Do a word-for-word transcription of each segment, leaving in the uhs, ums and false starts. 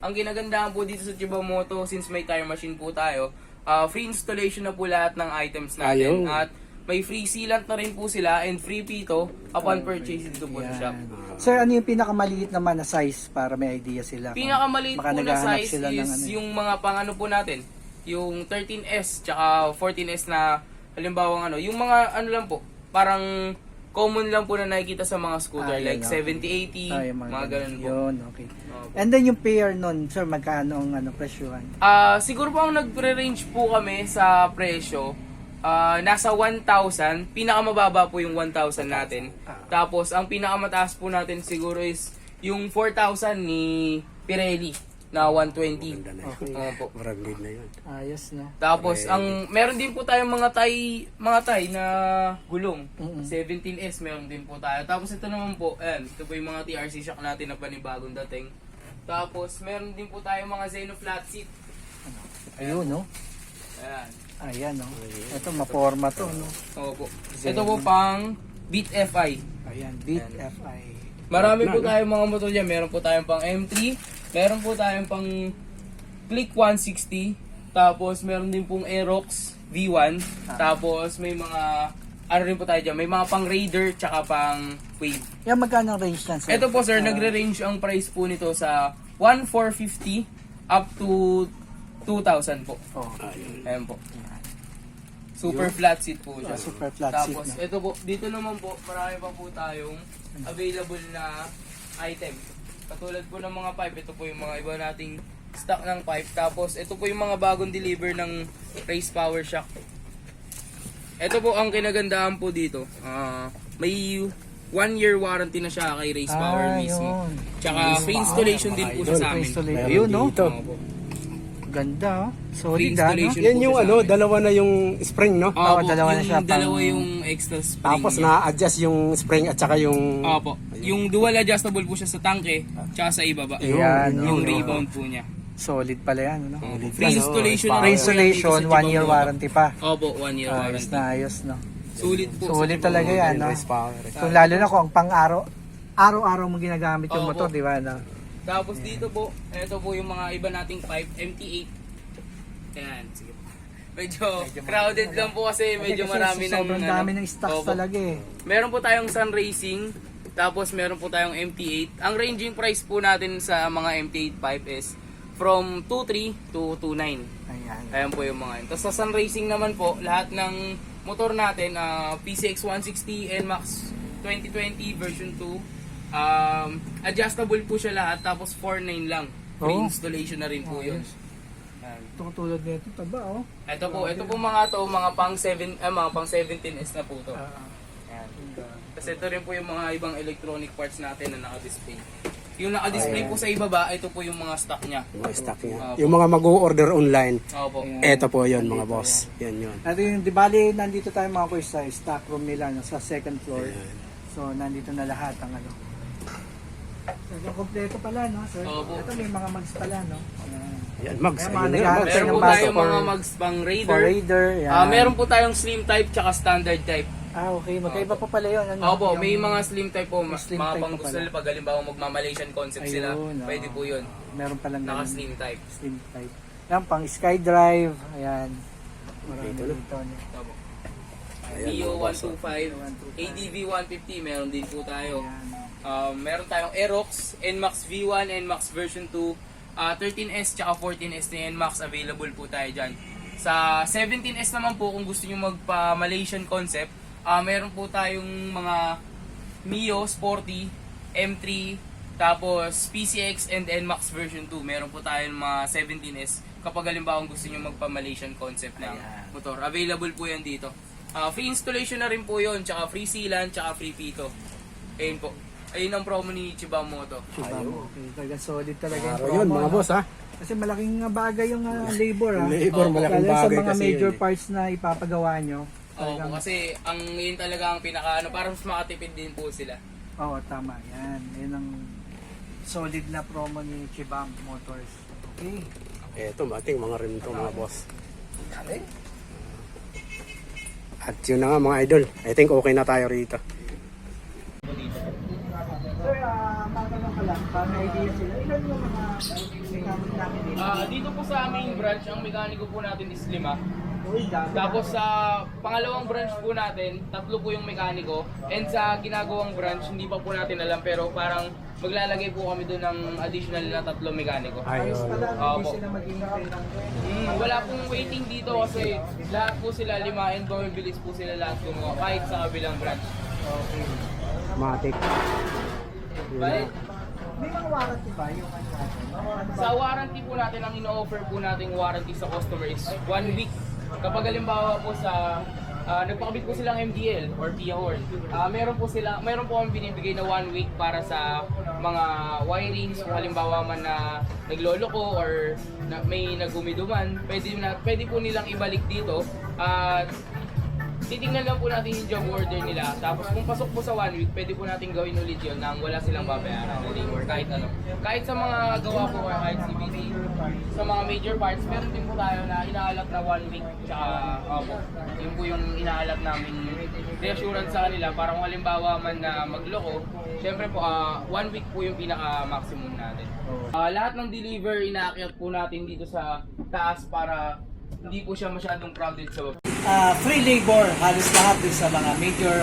ang ginagandahan po dito sa Chibamoto, since may tire machine po tayo, uh, free installation na po lahat ng items natin. Ayun. At may free sealant na rin po sila and free pito upon purchase dito po sa shop. Sir, ano yung pinakamaliit naman na size para may idea sila? kung Pinakamaliit baka po na naghahanap size sila ng is ano eh. yung mga pang ano po natin, yung thirteen S tsaka fourteen S na halimbawa ano, yung mga ano lang po, parang common lang po na nakikita sa mga scooter, Ah, yan, like okay. seventy eighty, Ah, yung mga ganun po. Yun, okay. Opo. And then yung pair nun, sir, magkano ang ano, presyuhan? Ah, siguro po ang nagre-range po kami sa presyo, ah, nasa one thousand, pinakamababa po yung one thousand natin. Tapos ang pinakamataas po natin siguro is yung four thousand ni Pirelli na one twenty. Ganda na yun. Okay. Opo. Branded na yun. Ayos, no? Tapos ang meron din po tayong mga tay mga tay na gulong. Mm-mm. seventeen S meron din po tayo. Tapos ito naman po, ayan, ito po yung mga T R C shock natin na panibagong dating. Tapos meron din po tayong mga Zeno flat seat. Ayun, no? Ayan. Ayan, no? Ito, maporma to, no? Opo. Ito po pang Beat F I. Ayan, Beat F I. Marami po tayong mga motor dyan. Meron po tayong pang M three. Meron po tayong pang Click one sixty. Tapos meron din pong Aerox V one. Tapos may mga ano rin po tayo dyan. May mga pang Raider tsaka pang Wave. Yan, magkano ang range yan, sir? Ito po sir, nagre-range ang price po nito sa one thousand four hundred fifty up to two thousand po. Oh, Ayan po. Super flat seat po siya. Ah, super flat seat Tapos na. ito po, dito naman po, marami pa po tayong available na item. Katulad po ng mga pipe, ito po yung mga iba nating stock ng pipe. Tapos ito po yung mga bagong deliver ng Race Power Shock. Ito po ang kinagandahan po dito. Ah, may one year warranty na siya kay Race Power Ah, mismo. yun. Tsaka free installation din po siya sa amin. Installation. Meron Ayun, no? dito. Oo po. Ganda, oh. Free Solid, ah, no? installation. Yan po yung siya sa ano, amin. dalawa na yung spring, no? Opo, Oo, dalawa na yung siya pang- dalawa yung extra spring. Tapos niya. na-adjust yung spring at saka yung... Opo. Yung dual adjustable po siya sa tangke, tsaka sa ibaba. Ayan, Yung no? rebound po niya. Solid pala yan, no? Free installation na Free rin po yan installation, dito sa one year Chibamoto. warranty pa. Opo, one year Ayos warranty. na, ayos, no? Sulit po. Solid sa talaga Chibamoto. yan, no? Race power. Kung lalo na kung ang pang-araw, araw-araw mo ginagamit yung Oo, motor, po. di ba, no? Tapos dito po, ito po yung mga iba nating pipe, M T eight. Ayan, sige po. Medyo crowded lang po kasi medyo Kasi marami ng... sobrang ano, dami ng stocks opo. talaga eh. Meron po tayong Sun Racing, tapos meron po tayong M T eight. Ang ranging price po natin sa mga M T eight pipe is from two three to two nine. Ayan. Ayan po yung mga yun. Tapos sa Sun Racing naman po, lahat ng motor natin, ah, P C X one sixty N MAX twenty twenty version two, um, adjustable po siya lahat, tapos four nine lang. Free Oh. installation na rin po yun. Ayos. Ayan. Ito katulad nito, taba, oh. Ito po, ito po mga to, mga pang seven, ah, mga pang seventeen S na po to. Ah, Ayan. Kasi ito rin po yung mga ibang electronic parts natin na naka-display. Yung naka-display po sa ibaba, ito po yung mga stock niya. Yung mga stock niya. Opo. Yung mga mag-o-order online, Opo. eto po yun mga boss. Yan yun. At yung, di bali, nandito tayo mga kuya sa stock room nila, no, sa second floor. So, nandito na lahat ang ano. So, kompleto pala, no, sir? Opo. Ito may mga mags pala, no? Ayan. Yan, mags. Kaya mga Ayun yun, naghahanap mags. Meron po ng baso tayong for- mga mags pang For Raider. Raider, yan. Ah, meron po tayong slim type tsaka standard type. Ah, okay. Magkaiba pa pala yun. Ano? Opo, Yung- may mga slim type po, ma- slim mga type pang po gusto pala. nila pag halimbawa magma-Malaysian concept sila, Ayun, oh. pwede po yun. Meron palang ganun. Naka-slim type. Slim type. Yan, pang SkyDrive. Ayan. Marami Dito, dito. no? no? Opo. Ayan, Neo mga one boss. twenty-five, A D V one fifty, meron din po tayo. Ayan. Um, meron tayong Aerox, N MAX V one, N MAX version two, uh, thirteen S tsaka fourteen S na N MAX available po tayo dyan. Sa seventeen S naman po, kung gusto nyo magpa-Malaysian concept, uh, meron po tayong mga Mio Sporty, M three, tapos P C X and N MAX version two. Meron po tayong mga seventeen S kapag halimbawa gusto nyo magpa-Malaysian concept ng Ayan. motor. Available po yan dito. Uh, free installation na rin po yun, tsaka free sealant, tsaka free pito. Ayun po. Ayun ang promo ni Chibamoto. Diba mo? Okay, talaga solid talaga yung Araw promo. yun mga no? boss ha. Kasi malaking uh, bagay yung uh, labor, ha? Labor, Opo. malaking Lalo sa bagay mga kasi major yun eh. parts na ipapagawa nyo. Oo, Talagang, kasi ang yun talaga ang pinaka ano, para mas makatipid din po sila. oo, tama. Yan. Yan ang solid na promo ni Chibam Motors. Okay. Eto, mating mga rim to mga boss. At yun na nga mga idol. I think okay na tayo rito. Sir, uh, matanong ka lang, para may idea sila. Ilan yung mga namin dito? Ah, dito po sa aming branch, ang mekaniko po natin is lima. Uy, dami. Tapos sa pangalawang branch po natin, tatlo po yung mekaniko. And sa ginagawang branch, hindi pa po natin alam pero parang maglalagay po kami doon ng additional na tatlo mekaniko. Ayos Ayun. pala, hindi Opo. sila maghihintay ng... Hmm, wala pong waiting dito kasi lahat po sila lima and bumibilis po sila lahat gumawa kahit sa kabilang branch. Okay. Matic. Bye. May mga warranty ba yung ano natin? Ano ba? Sa warranty po natin, ang ino-offer po nating warranty sa customer is one week. Kapag halimbawa po sa ah, nagpakabit po silang M D L or P I A horn, ah, meron po sila, meron po kami binibigay na one week para sa mga wirings, kung halimbawa man na nagloloko or na, may nagumiduman, pwede, na, pwede po nilang ibalik dito at titingnan lang po natin yung job order nila. Tapos kung pasok po sa one week, pwede po natin gawin ulit yun nang wala silang babayaran na labor kahit ano. Kahit sa mga gawa po or kahit C B T, sa mga major parts, meron din po tayo na inaalat na one week. Tsaka, opo, yun po yung inaalat namin reassurance sa kanila para kung halimbawa man na magloko, syempre po, ah, one week po yung pinaka-maximum natin. Ah, lahat ng deliver, inaakyat po natin dito sa taas para hindi po siya masyadong crowded sa baba. Ah, free labor, halos lahat din sa mga major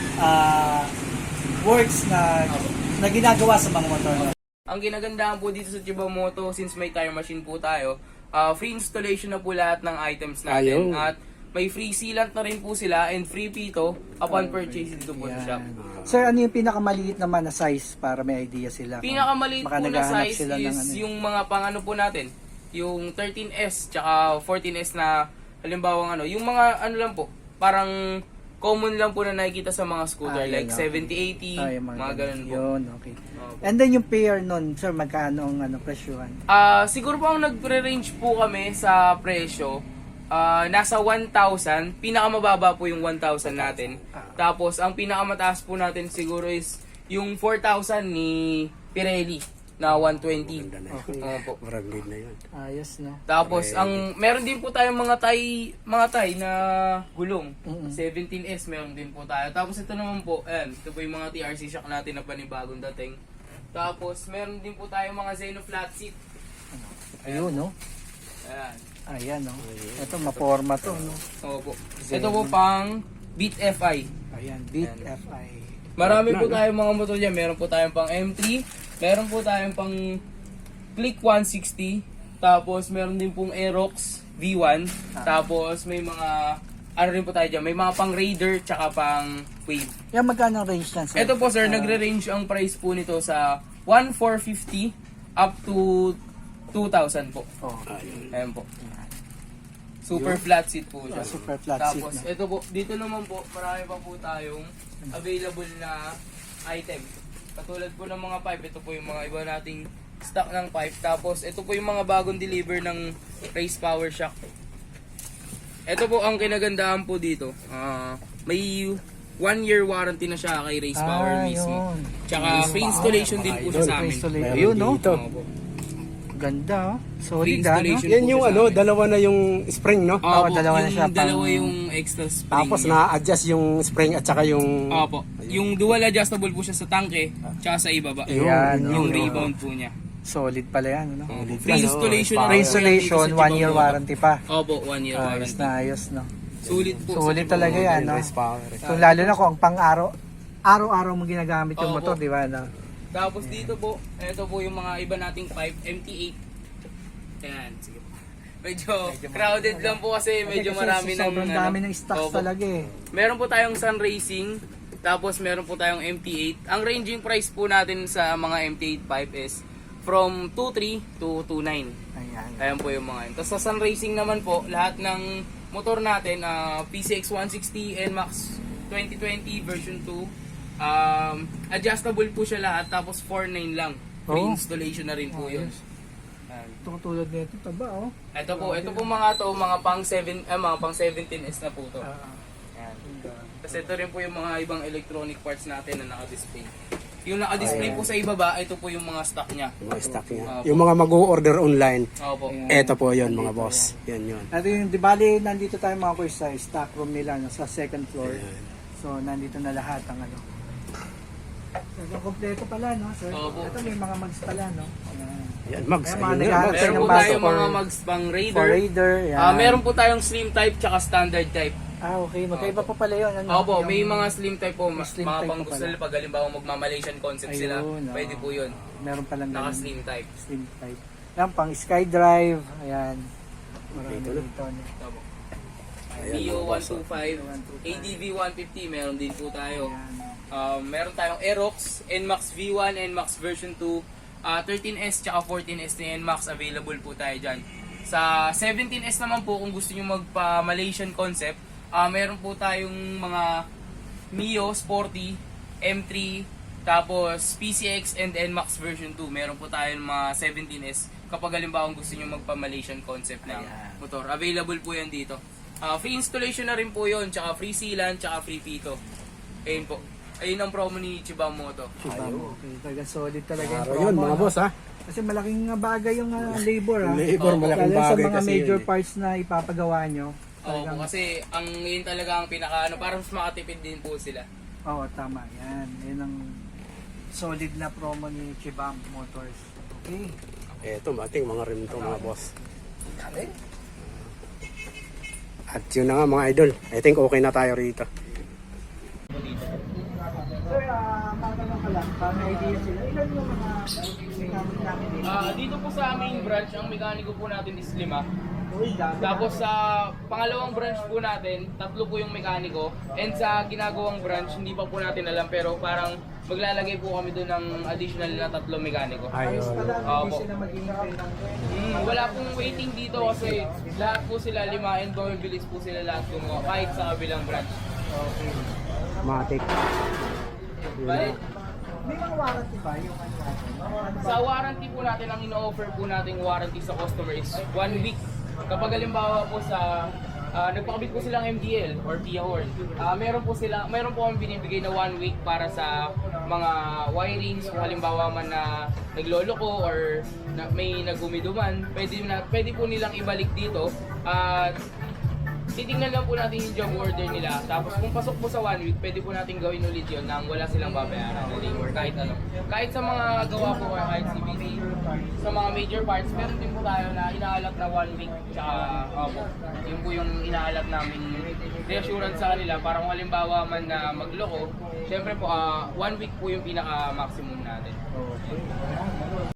ah, works na, na ginagawa sa mga motor. Ang ginagandahan po dito sa Chibamoto, since may tire machine po tayo, ah, free installation na po lahat ng items natin. Ayun. At may free sealant na rin po sila and free pito upon purchase dito po sa shop. Sir, ano yung pinakamaliit naman na size para may idea sila? kung Pinakamaliit baka po na naghahanap size sila ng is ano. yung mga pangano po natin. Yung thirteen S tsaka fourteen S na halimbawa ano, yung mga ano lang po, parang common lang po na nakikita sa mga scooter Ah, yun, like okay. seventy eighty, Ah, yung mga ganun po. Yun, okay. Opo. And then yung pair nun, sir, magkano ang ano, presyuhan? Ah, siguro po ang nagre-range po kami sa presyo, ah, nasa one thousand, pinakamababa po yung one thousand natin. Tapos ang pinakamataas po natin siguro is yung four thousand ni Pirelli na one twenty. Ganda na Okay. yun. Opo. Branded na yun. Ayos, no? Tapos ang meron din po tayong mga tay mga tay na gulong. Mm-mm. seventeen S meron din po tayo. Tapos ito naman po, ayan, ito po yung mga T R C shock natin na panibagong dating. Tapos meron din po tayong mga Zeno flat seat. Ayun, no? Ayan. Ayan, no? Ito, maporma to, no? Opo. Ito po pang Beat F I. Ayan, Beat F I. Marami po tayong mga motor dyan. Meron po tayong pang M three, meron po tayong pang Click one sixty, tapos meron din pong Aerox V one, tapos may mga ano rin po tayo dyan, may mga pang Raider tsaka pang Wave. Yan, magkano ang range yan, sir? Ito po sir, Ah, nagre-range ang price po nito sa one thousand four hundred fifty up to two thousand po. Oh, Ayun. Ayan po. Super flat seat po siya. Ah, super flat seat Tapos na. ito po, dito naman po, marami pa po tayong available na item. Katulad po ng mga pipe, ito po yung mga iba nating stock ng pipe. Tapos ito po yung mga bagong deliver ng Race Power Shock. Ito po ang kinagandahan po dito. Ah, may one year warranty na siya kay Race Power Ah, mismo. yun. Tsaka free installation din po siya sa amin. Installation. Meron Ayun, no? dito. Oo po. Ganda, oh. Free Solid, ah, no? installation. Yan po yung siya sa ano, amin. dalawa na yung spring, no? Opo, Oo, dalawa na yung siya, pang- dalawa yung extra spring. Tapos niya. na-adjust yung spring at saka yung... Opo. Yung dual adjustable po siya sa tangke, tsaka sa ibaba. Ayun, Ayan, Yung no? rebound po niya. Solid pala yan, no? Free installation na Free rin po yan installation, dito sa one year Chibamoto. warranty pa. Opo, one year Ayos warranty. na, ayos, no? Sulit po. Sulit sa talaga Chibamoto. yan, no? Race power. So, lalo na kung ang pang-araw, araw-araw mo ginagamit yung Oo, motor, po. di ba, no? Tapos dito po, ito po yung mga iba nating pipe, M T eight. Ayan, sige po. Medyo crowded lang po kasi medyo Kasi marami ng... sobrang ano, dami ng stocks opo. talaga, eh. Meron po tayong Sun Racing, tapos meron po tayong M T eight. Ang ranging price po natin sa mga M T eight pipe is from two three to two nine. Ayan. Ayan po yung mga yun. Tapos sa Sun Racing naman po, lahat ng motor natin, ah, P C X one sixty N MAX twenty twenty version two, um, adjustable po siya lahat, tapos four nine lang. Free Oh. installation na rin po yun. Ayos. Ayan. Tutulad nito, taba, oh. Ito po, ito po mga to, mga pang seven, eh, mga pang seventeen S na po to. Ah, Ayan. Kasi ito rin po yung mga ibang electronic parts natin na naka-display. Yung naka-display po sa ibaba, ito po yung mga stock niya. Yung mga stock niya. Opo. Yung mga mag-order online, Opo. eto po yun mga boss. Yan yun. At yung, di bali, nandito tayo mga kuya sa stock room nila, no, sa second floor. Ayan. So, nandito na lahat ang ano. So, kompleto pala, no, sir? Opo. Ito may mga mags pala, no? Ayan. Yan, mags. Ayan, mga Ayun na, naghahanap mags. tayo Meron ng po baso tayong for- mga mags pang For Raider. Raider, yan. Ah, meron po tayong slim type tsaka standard type. Ah, okay. Magkaiba pa pala yun. Ano? Opo, Yung- may mga slim type po, ma- slim mga type pang po gusto pala. nila pag halimbawa magma-Malaysian concept sila, Ayun, oo. pwede po yun. Meron palang Naka ganun. slim type. Slim type. Yan, pang SkyDrive. Ayan. Marami Dito na. dito. no? Opo. Ayan, Neo mga boss, one twenty-five, A D V one fifty, meron din po tayo. Ayan. Um, meron tayong Aerox, N MAX V one, N MAX version two, ah, thirteen S tsaka fourteen S na N MAX available po tayo dyan. Sa seventeen S naman po kung gusto nyo magpa-Malaysian concept, ah meron po tayong mga Mio Sporty, M three, tapos P C X and N MAX version two. Meron po tayong mga seventeen S kapag halimbawa gusto nyo magpa-Malaysian concept ng Ayan. motor. Available po yan dito. Ah, free installation na rin po yun, tsaka free sealant, tsaka free pito. Ayun po. Ayun ang promo ni Chibam Moto. Diba? Okay, talaga solid talaga yung Araw promo. yun, mga no? boss, ha? Kasi malaking uh, bagay yung uh, labor, ha? Labor, Oo, malaking Lalo sa bagay mga kasi major yun, eh. parts na ipapagawa nyo. Oo, Talagang, po, kasi ang yun talaga ang pinaka ano, parang mas makatipid din po sila. oo, tama. Yan. Yan ang solid na promo ni Chibam Motors. Okay. Eto, mating mga rim to, mga boss. At yun na nga, mga idol. I think okay na tayo rito. Sir, uh, matanong ka lang, para may idea sila. Ilan yung mga mechanic namin dito? Ah, dito po sa aming branch, ang mekaniko po natin is lima. Uy, dami. Tapos sa pangalawang branch po natin, tatlo po yung mekaniko. And sa ginagawang branch, hindi pa po natin alam pero parang maglalagay po kami doon ng additional na tatlo mekaniko. Ayos Ayun. pala, Oo hindi po. sila maghihintay ng Mm, wala pong waiting dito kasi lahat po sila lima and bumibilis po sila lahat gumawa kahit sa kabilang branch. Okay. Matik. Bale, May mga warranty ba yung ano natin? Ano ba? sa warranty po natin, ang ino-offer po nating warranty sa customer is one week. Kapag halimbawa po sa ah, nagpakabit po silang M D L or P I A horn, ah, meron po sila, meron po kami binibigay na one week para sa mga wirings kung halimbawa man na nagloloko or na, may nagumiduman, pwede na pwede po nilang ibalik dito at titingnan lang po natin yung job order nila. Tapos kung pasok po sa one week, pwede po natin gawin ulit yun nang wala silang babayaran na labor kahit ano. Kahit sa mga gawa po or kahit C B T, sa mga major parts, meron din po tayo na inaalak na one week. Tsaka, opo, yun po yung inaalak namin reassurance sa kanila para kung halimbawa man na magloko, syempre po, ah, one week po yung pinaka-maximum natin. Okay.